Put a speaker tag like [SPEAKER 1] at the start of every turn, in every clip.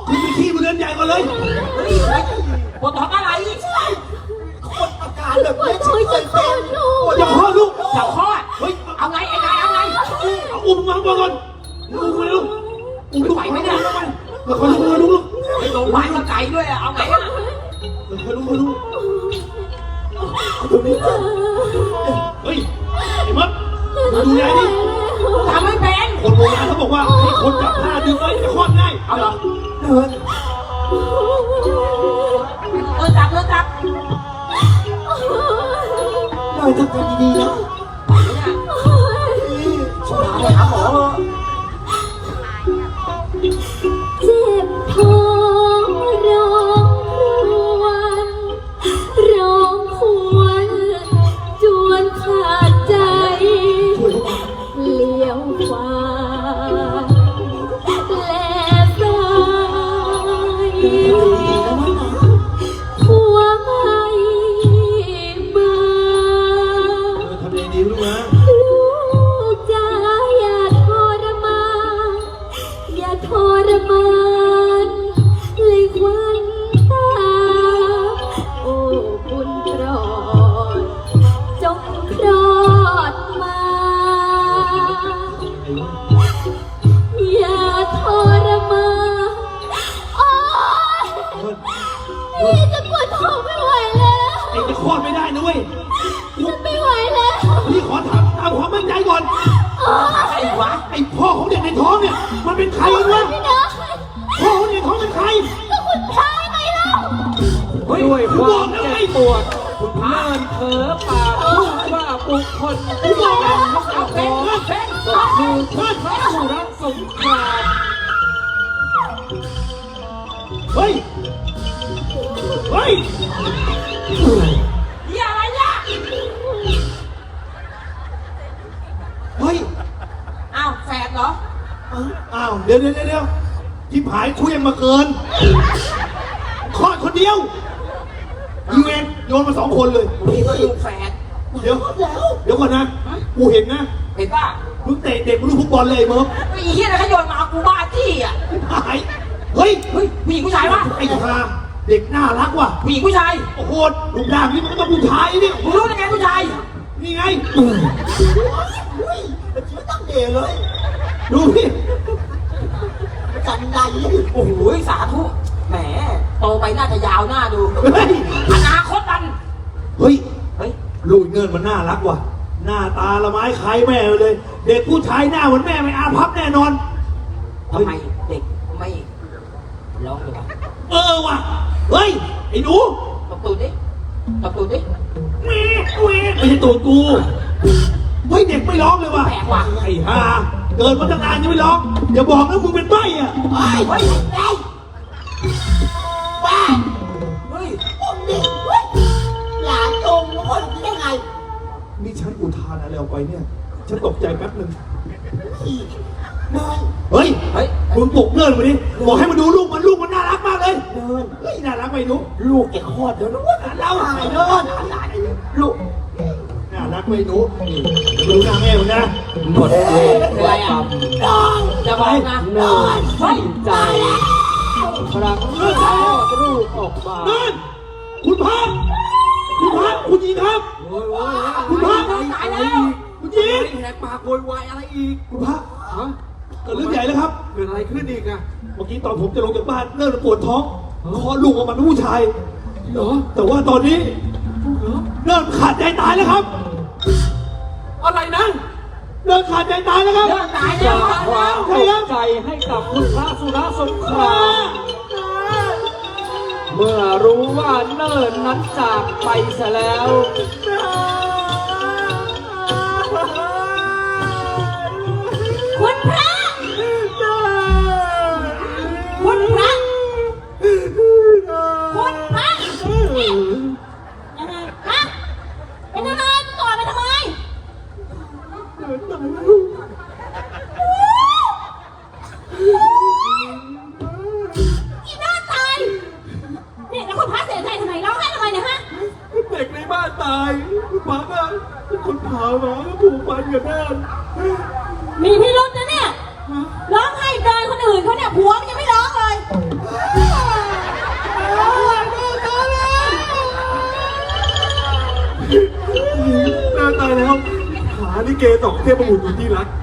[SPEAKER 1] คุณไปขี้บนเรือนใหญ่ก่อนเลย
[SPEAKER 2] ปวดท้องอะไร
[SPEAKER 3] คนอาการแบบนี้
[SPEAKER 4] ช่วยจะคลอดลูก
[SPEAKER 1] อย่าคลอดลูก
[SPEAKER 2] จะคลอด
[SPEAKER 1] เฮ้ย
[SPEAKER 2] เอาไงไอ้นายเอาไง
[SPEAKER 1] เอาอุ้มมาก่อนอุ้มมาลูกอุ้มลูก
[SPEAKER 2] ไหวไหมเนี่ย
[SPEAKER 1] แล้วค่อยลูกลูก
[SPEAKER 2] ไอ้โรงพยาบาลก็ไกลด้วยอะเอาไงอะ
[SPEAKER 1] แล้วค่อยลูกเฮ้ยไอ้มัดดูแลดิ
[SPEAKER 2] ทำไม่เป็น
[SPEAKER 1] คนโบราณเขาบอกว่าให้คนจับผ้าดึงไว้จะคลอดง่าย
[SPEAKER 2] เอาเหรอ
[SPEAKER 3] เดิน
[SPEAKER 2] จับจับ
[SPEAKER 3] เดินทำใจดีๆนะ
[SPEAKER 2] ช่วยไปหาหมอเถอะ
[SPEAKER 4] เจ็บท้องร้องครวญจวนขาดใจเลี้ยวขวาแลซ้ายหัวไม่มา
[SPEAKER 1] ทำยังไงดีลูกนะ
[SPEAKER 4] ลูกจ๋าอย่าทรมานอย่าทรมานเลยควันตาโอ้บุญโปรดจงคลอดมาอย่าทรมานโอ๊ยพี่จะปวดท้องไม่ไหวแล้ว
[SPEAKER 1] เองจะคลอดไม่ได้นะเว้ย
[SPEAKER 4] ฉันไม่ไหวแล้ว
[SPEAKER 1] พี่ขอถามความมั่นใจก่อน
[SPEAKER 2] ไอ้วะ
[SPEAKER 1] ไอ้พ่อของเด็กในท้องเนี่ยมันเป็นใครกันวะ
[SPEAKER 4] ไม่ได้
[SPEAKER 1] พ่อของเด็กในท้องเป็นใคร
[SPEAKER 4] ก็คุณพายไงเล่า
[SPEAKER 5] ด้วยความเจ็บปวดคุณเลินเผลอปากพูดว่าบุคคลที่กำลังยกเอาท้องก็คือพระสุรสงคราม
[SPEAKER 1] เฮ้ย เฮ้ย
[SPEAKER 2] เหี้ยอะไรเนี่ย
[SPEAKER 1] เฮ้ย
[SPEAKER 2] อ้าวแฝดเหรอ
[SPEAKER 1] อ้าวเดี๋ยวที่ผายเคลื่อนมาเกินคลอดคนเดียวอีเวนโยนมา2 คนเลย
[SPEAKER 2] พี่ก็อยู่แฝด
[SPEAKER 1] เดี๋ยวก่อนนะ กูเห็นนะ
[SPEAKER 2] เห็นป่ะ
[SPEAKER 1] มึงเตะเด็กมึงลูกฟุตบอลเลยเมิร์ฟ
[SPEAKER 2] ไอ้เหี้ยอะไรขยนมากูบ้าจี้อ่ะ
[SPEAKER 1] หายเฮ้ย
[SPEAKER 2] เฮ้ยผู้หญิงผู้ชายวะ
[SPEAKER 1] ไอ้ห่าเด็กน่ารักว่ะ
[SPEAKER 2] ผู้หญิงผู้ชาย
[SPEAKER 1] โอ้โหลูกด่างนี่มันก็ต้องผู้ชายนี่
[SPEAKER 2] มึงรู้ได้ไงผู้ชาย
[SPEAKER 1] นี่ไง
[SPEAKER 3] ไม่ต้องเดเลย
[SPEAKER 1] ดูพี่
[SPEAKER 3] กันใด
[SPEAKER 2] โอ้โหสาธุแหมโตไปน่าจะยาวหน้าดู
[SPEAKER 1] เฮ้ย
[SPEAKER 2] อนาคตมัน
[SPEAKER 1] เฮ้ย
[SPEAKER 2] เฮ้ย
[SPEAKER 1] ลูกเงินมันน่ารักว่ะ หน้าตาละไม้คล้ายแม่เลย เด็กผู้ชายหน้าเหมือนแม่ไม่อาภัพแน่นอน
[SPEAKER 2] ทำไมเด็กไม่ร้องเลยวะ
[SPEAKER 1] ว่ะ เฮ้ย ไอ้หนู
[SPEAKER 2] ตบตูดดิตบตูดดิ
[SPEAKER 1] แม่ไม่ใช่ตูดกู เฮ้ยเด็กไม่ร้องเลยว่ะ
[SPEAKER 2] แปลกว่ะ
[SPEAKER 1] ไอ้ห่าเกิดมาตั้งนานยังไม่ร้อง อย่าบอกนะมึงเป็นใบ้อะ
[SPEAKER 2] เฮ้ยเฮ้ยเฮ้ย
[SPEAKER 3] บ้า
[SPEAKER 2] เฮ้ย
[SPEAKER 3] ผมนี่หลานโกงคนได้ไง
[SPEAKER 1] นี่ฉันอุทานอะไรออกไปเนี่ย ฉันตกใจแป๊บนึง
[SPEAKER 3] เดิน
[SPEAKER 1] เฮ้ย
[SPEAKER 2] เฮ้ย
[SPEAKER 1] มึงปลุกเนินมาดิบอกให้มาดูลูกมันน่ารักมากเลย
[SPEAKER 3] เดิน
[SPEAKER 1] เฮ้ยน่ารักไหมหนู
[SPEAKER 3] ลูกแกคลอดแล้วนะวะ
[SPEAKER 1] เรา
[SPEAKER 3] ตายเดินลูก
[SPEAKER 1] น่ารักไหมหนูนี่ดูหน้าแม่มึงนะ
[SPEAKER 5] หมดเวรหมดกรรม
[SPEAKER 2] จะบอกนะ
[SPEAKER 5] เนินสิ้นใจครั้งคลอดลูกออกมา
[SPEAKER 1] เนินคุณพระคุณหญิงครับ
[SPEAKER 5] โอ้ย
[SPEAKER 1] คุณพระ
[SPEAKER 5] อะไรอีก
[SPEAKER 1] คุณหญิง
[SPEAKER 5] แหกปากโวยวายอะไรอีก
[SPEAKER 1] คุณพระ
[SPEAKER 5] ฮะ
[SPEAKER 1] เกิดเรื่องใหญ่แล้วครับ
[SPEAKER 5] เกิดอะไรขึ้นอีกอะ
[SPEAKER 1] เมื่อกี้ตอนผมจะลงจากบ้านเริ่มปวดท้องคลอดลูกออกมาเป็นผู้ชาย
[SPEAKER 5] เหรอ
[SPEAKER 1] แต่ว่าตอนนี้
[SPEAKER 5] เหรอ
[SPEAKER 1] เริ่มขาดใจตายแล้วครับ
[SPEAKER 5] อะไรนะ
[SPEAKER 1] เริ่มขาดใจตายแล้วครับ
[SPEAKER 2] เรื่องตาย
[SPEAKER 5] ส
[SPEAKER 2] แล้ว
[SPEAKER 5] ร้างความตกใจให้กับคุณพระสุรสงคราม เมื่อรู้ว่าเนิ่นนั้นจากไปเสียแล้ว
[SPEAKER 4] คุณพระคุณพระคุณพระยังไงฮะเป็นอะไรก่อนไปทำไมอีน่าตายเนี่ยแล้วคุณพระเสียใจทำไมร้องไห้ทำไมเนี่ยฮะ
[SPEAKER 5] เด็กในบ้านตายคุณพระก็คนพามาก็ผูกพันกับแม่
[SPEAKER 4] มีพิรุษนะเนี่ยร้องไห้เกินคนอื่นเขาเนี่ยผัวมันยังไม่ร้องเลย
[SPEAKER 5] เกสองเทพบุตรอยู่ที่รัก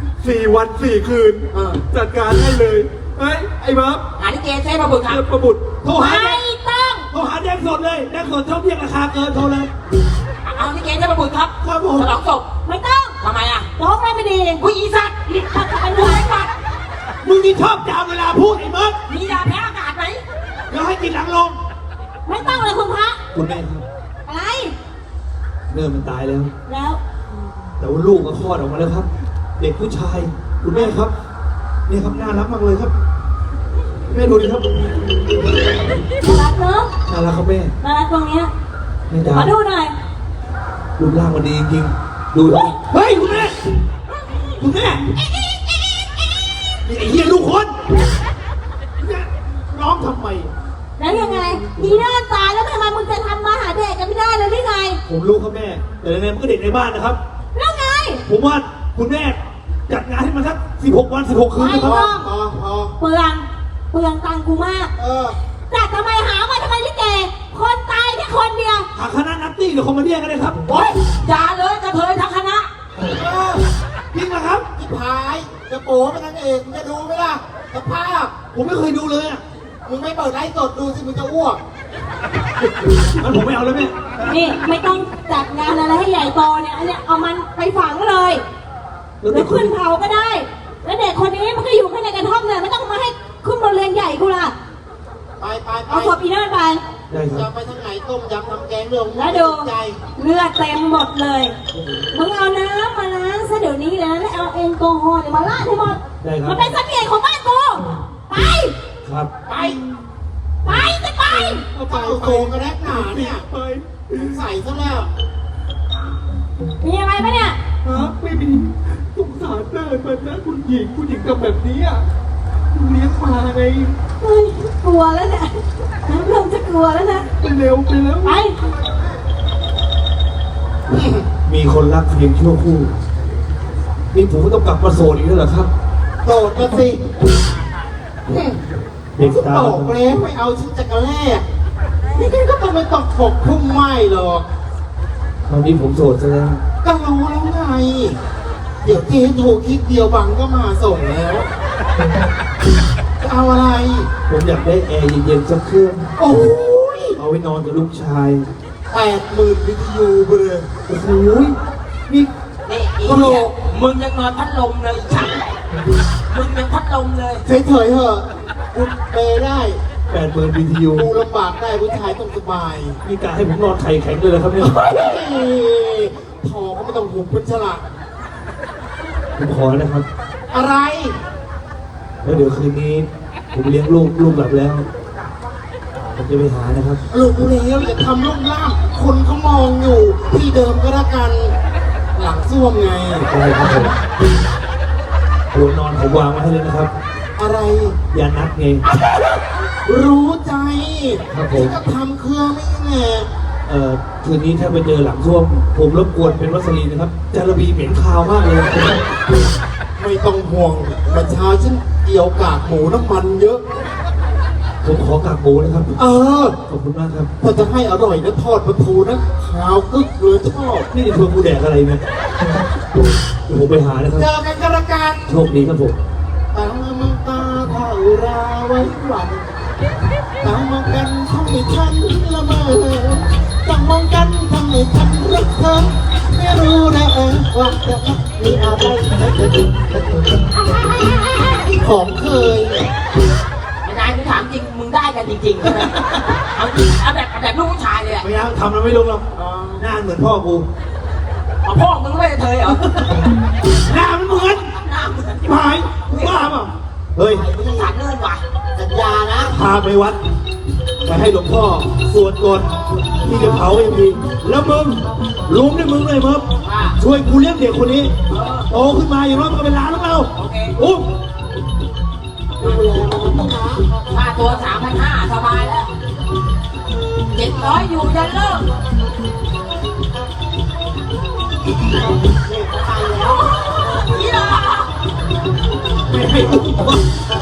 [SPEAKER 5] 4 วัน 4 คืน จัดการให้เลยเฮ้ยไอ้บ๊อบ
[SPEAKER 2] หาลิเกเซ่มาบุญครับ
[SPEAKER 5] เทพบุตร
[SPEAKER 1] โทรหา
[SPEAKER 4] ไม่ต้อง
[SPEAKER 1] โทรหาแดงสดเลยแดงสดชอบเรียกราคาเกินโทรเลย
[SPEAKER 2] เอาลิเกเซ่มาบุญครับ
[SPEAKER 1] ครับผม
[SPEAKER 2] ฉลองศพ
[SPEAKER 4] ไม่ต้อง
[SPEAKER 2] ทำไมอ่ะ
[SPEAKER 4] ร้องไม่ดี
[SPEAKER 2] ผู้อีสัตว์
[SPEAKER 4] ถ้าเป็นหัวไอ้ปัด
[SPEAKER 1] มึงนี่ชอบจามเวลาพูดไอ้เมิร์ด
[SPEAKER 2] มียาแพ้อากาศไหม
[SPEAKER 1] เดี๋ยวให้กินหลังลง
[SPEAKER 4] ไม่ต้องเลยคุณพระ
[SPEAKER 1] คุณแม่ครับ
[SPEAKER 4] อะไร
[SPEAKER 1] เนิ่มมันตายแล้ว
[SPEAKER 4] แล้ว
[SPEAKER 1] แต่ว่าลูกก็คลอดออกมาแล้วครับ เด็กผู้ชายคุณแม่ครับเนี่ยครับน่ารักมากเลยครับแม่ดูดิครับ
[SPEAKER 4] น่ารักเนอะ
[SPEAKER 1] น่ารักครับแม่
[SPEAKER 4] น่ารักตรงเนี้ย
[SPEAKER 1] แม่จ๋า
[SPEAKER 4] ขอดูหน่อย
[SPEAKER 1] รูปร่างมันดีจริงๆดูดิเฮ้ยคุณแม่คุณแม่นี่ไอ้เหี้ยลูกคนเนี่ยร้องทำไม
[SPEAKER 4] แล้วยังไงอีน่าตายแล้วทำไมมึงจะทำมาหาเด็กกันไม่ได้เลยหรือไง
[SPEAKER 1] ผมรู้ครับแม่ แต่ยังไงมันก็เด็กในบ้านนะครับ
[SPEAKER 4] แล้วไง
[SPEAKER 1] ผมว่าคุณแม่จัดงานให้มันสัก16 วัน 16 คืน
[SPEAKER 4] ไม่
[SPEAKER 1] นะค
[SPEAKER 4] ต้
[SPEAKER 1] รั
[SPEAKER 4] อบ งเปลืองตังค์กูมากแต่ทำไมหามาทำไมลิเกคนตายแค่คนเดียว
[SPEAKER 1] หาคณะนัตตี้หรือคอมเมดี้กันเลยครับ
[SPEAKER 2] โอ๊ยอย่าเลยกระเทยทั้งคณะ
[SPEAKER 1] จริงนะครับ
[SPEAKER 3] ที่พายจะโป๋เป็นนางเอกมึงจะดูไหมล่ะสภาพ
[SPEAKER 1] ผมไม่เคยดูเลยอ่ะ
[SPEAKER 3] มึงไม่เปิดไลฟ์สดดูสิมึงจะอ้วก
[SPEAKER 1] งั้นผมไม่เอาแล้วแม่
[SPEAKER 4] นี่ไม่ต้องจัดงานอะไรให้ใหญ่โตเนี่ยอันเนี้ยเอามันไปฝังเลย
[SPEAKER 1] แล้ว
[SPEAKER 4] หรื
[SPEAKER 1] เด็
[SPEAKER 4] อก
[SPEAKER 1] คน
[SPEAKER 4] ขึ้นเผาก็ได้ แล้วเด็กคนนี้มันก็อยู่แค่ในกระท่อมเนี่ยไม่ต้องมาให้ขึ้นโรงเรียนใหญ่กูล่ะ
[SPEAKER 3] ไปไปไป
[SPEAKER 4] เอาศพอีนั่นไป
[SPEAKER 1] ได้ค
[SPEAKER 3] จะ
[SPEAKER 1] รับ
[SPEAKER 3] ไปทางไหนต้มยำทำแกงเรื่อง
[SPEAKER 4] แล้วดู
[SPEAKER 3] ใจ
[SPEAKER 4] เลือดเต็มหมดเลยมึงเอาน้ำมาล้างซะเดี๋ยวนี้เลยนะแล้วเอาแอลกอฮอล์เนี่ยมาลาดให้หมด
[SPEAKER 1] ได้ครั
[SPEAKER 4] มั
[SPEAKER 1] บ
[SPEAKER 4] นเป็นเสน่ห์ของบ้านกูไป
[SPEAKER 1] ครับ
[SPEAKER 3] ไป
[SPEAKER 4] ไปจะไป
[SPEAKER 3] เอาไปโกงกันแน่หนาเนี่ย
[SPEAKER 1] ไป
[SPEAKER 3] ใส่ซะแล้ว
[SPEAKER 4] มีอะไรปะเนี่ย
[SPEAKER 5] ฮะไม่มีสงสารเนิร์ดมันนะคุณหญิงทำแบบนี้อ่ะเลี้ยงมาไง
[SPEAKER 4] เฮ้ยกลัวแล้วเนี่ยเริ่มจะกลัวแล้วนะ
[SPEAKER 5] ไปเร็วไปแล้ว
[SPEAKER 4] ไป
[SPEAKER 1] มีคนรักเพียงชั่วครู่นี่ผมก็ต้องกลับมาโสดอีกแล้วเหรอครับ
[SPEAKER 3] โดดมาสิ
[SPEAKER 1] เด็กตา
[SPEAKER 3] ตกแล้วไปเอาชิ้นจักรแรกนี่ก็ต้องไม่ต้องปกพุ่มไหม้หรอก
[SPEAKER 1] ตอนนี้ผมโสดซะแล้ว
[SPEAKER 3] ก็รู้แล้วไง เดี๋ยวเจ๊โทรคลิกเดียวบังก็มาส่งแล้วจะเอาอะไร
[SPEAKER 1] ผมอยากได้แอร์เย็นๆสักเครื่อง
[SPEAKER 3] โอ้ย
[SPEAKER 1] เอาไว้นอนกับลูกชาย
[SPEAKER 3] 80,000วิทยุเบอร์
[SPEAKER 1] โอ้โหนี่
[SPEAKER 2] นี่อีเนี่ยมึงยังนอนพัดลมเลยอีฉันมึงยังพัดลมเลย
[SPEAKER 3] เฉยๆเถอะกูเปย์ได้
[SPEAKER 1] 80,000 BTU
[SPEAKER 3] กูลำบากได้ผู้ชายต้องสบาย
[SPEAKER 1] นี่กะให้ผมนอนไข่แข็งเลยเหรอครับเนี่ย
[SPEAKER 3] เฮ้ยทอก็ไม่ต้องหุบเป็นฉลาด
[SPEAKER 1] ผมขอนะครับ
[SPEAKER 3] อะไร
[SPEAKER 1] แล้วเดี๋ยวคืนนี้ ผมเลี้ยงลูกหลับแล้ว ผมจะไปหานะครับ
[SPEAKER 3] ลูกแล้วอย่าทำลูกล่ามคนเขามองอยู่ ที่เดิมก็แล้วกัน หลังส้วมไง
[SPEAKER 1] ได้ครับผมหัวนอนผมวางไว้ให้เลยนะครับ
[SPEAKER 3] อะไร
[SPEAKER 1] อย่านัดไง
[SPEAKER 3] รู้ใจ
[SPEAKER 1] ครับผม
[SPEAKER 3] ที่ก็ทำเครื่องไม่แน่
[SPEAKER 1] คืนนี้ถ้าไปเจอหลังส้วม ผมรบกวนเป็นวัสลีนนะครับ จาระบีเหม็นคาวมากเลย
[SPEAKER 3] ไม่ต้องห่วงเมื่อเช้าฉันเกี่ยวกากหมูน้ำมันเยอะ
[SPEAKER 1] ผมขอกากหมูนะครับ
[SPEAKER 3] เออ
[SPEAKER 1] ขอบคุณมากครับ
[SPEAKER 3] ถ้าจะให้อร่อยนะทอดปลาทูนะขาวกึกเลยชอบ
[SPEAKER 1] นี่จะชวนกูแดกอะไรเนี่ยเดี๋ยวผมไปหานะครับ
[SPEAKER 3] เจอกันกันละกัน
[SPEAKER 1] โชคดีครับผม
[SPEAKER 3] ตามังตาเท่าราไว้หวังตามองกันทำให้ฉันละเมอจ้องมองกันทำให้ฉันรักเธอไม่รู้นะว่าจะมีอะไรของเคย
[SPEAKER 2] ไม่ได้กูถามจริง มึงได้กันจริงๆใช่ไหมเอาจริงเอาแบบลูกผู้ชายเลยอะ
[SPEAKER 1] ไม่เอาทำแล้วไม่ลงหรอกหน้าเหมือนพ่อกู
[SPEAKER 2] เอาพ่อมึงไม่ได้เธอเหรอ
[SPEAKER 1] หน้ามันเหมือน
[SPEAKER 2] หน้ามึง
[SPEAKER 1] หายบ้าเปล่าเฮ้ย
[SPEAKER 2] มึงจะสารเลื่อนว่ะ
[SPEAKER 3] สัญญานะ
[SPEAKER 1] พาไปวัด ไปให้หลวงพ่อสวดก่อนที่จะเผาอย่างดีแล้วมึงลุงด้วยมึงเลยมึงช่วยกูเลี้ยงเด็กคนนี้โตขึ้นมาอย่างน้อยมันก็เป็นหลานของเรา
[SPEAKER 2] โอเค
[SPEAKER 1] อุ้ม
[SPEAKER 2] ค่าตัว 3,500 สบายแล้ว700อยู่ยันเลิกนี่ล่ะ
[SPEAKER 1] ไม่ให้อุ้ม